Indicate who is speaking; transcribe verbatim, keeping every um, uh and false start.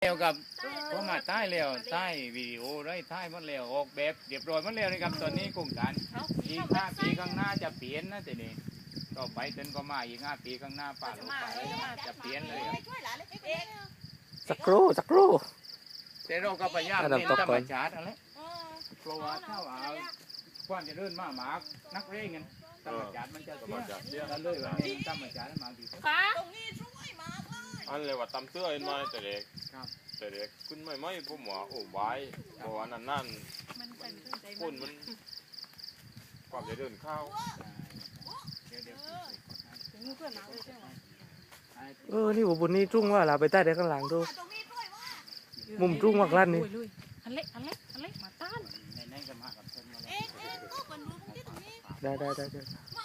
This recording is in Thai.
Speaker 1: แล้วกับผมมาใต้แล้วใต้วิดีโอได้ใต้หมดแล้วออกแบบเรียบร้อยหมดแล้วนะครับตอนนี้โครงการอีกห้าปีข้างหน้าจะเปลี่ยนนะทีนี้ต่อไปจนก็มาอีกห้าปีข้างหน้าป่าลูกป่าจะเปลี่ยนเลย
Speaker 2: สักครู่สักครู่
Speaker 1: แต่เราก็พยายาม
Speaker 2: ระดับ
Speaker 1: เน้น
Speaker 2: ตก
Speaker 1: ธร
Speaker 2: ก่
Speaker 1: ร
Speaker 2: อ
Speaker 1: ม
Speaker 2: น
Speaker 1: ชาติอะไรเพราะว่าถ้าว่าความจะเดินมาหมานักเร่งกันธรรมชาติมันจะเสียกันเลยว่าเน้นธรรมชาติมาดี
Speaker 3: ตรงนี้ช่วยมากเลย
Speaker 4: อันเลยว่าตำเตื้อเห็นไหมแต่เด็ก
Speaker 1: ครับ
Speaker 4: แต่เด็กคุณไม่ไม่ผมว่าโอ้ไว้เพราะว่านั่นนั่นคนมันความจะเดินเข้า
Speaker 1: เดี๋ยวเดี๋ยว
Speaker 2: เออนี่ผมบุญนี่จุ้งว่าเราไปใต้ได้ข้างหลังดู
Speaker 3: ตรงนี้ช่วยว่า
Speaker 2: มุมจุ้งมากลั่นนี่
Speaker 5: อันเล็กอันเล็กอันเล็กมาต้าน
Speaker 1: ในในกับมากับเพิ่นมาแล้ว
Speaker 3: เอ๊ะเอ๊ะก็เป็นรูปที่ตรงนี้
Speaker 2: ได้ได้ได้ได้
Speaker 3: มา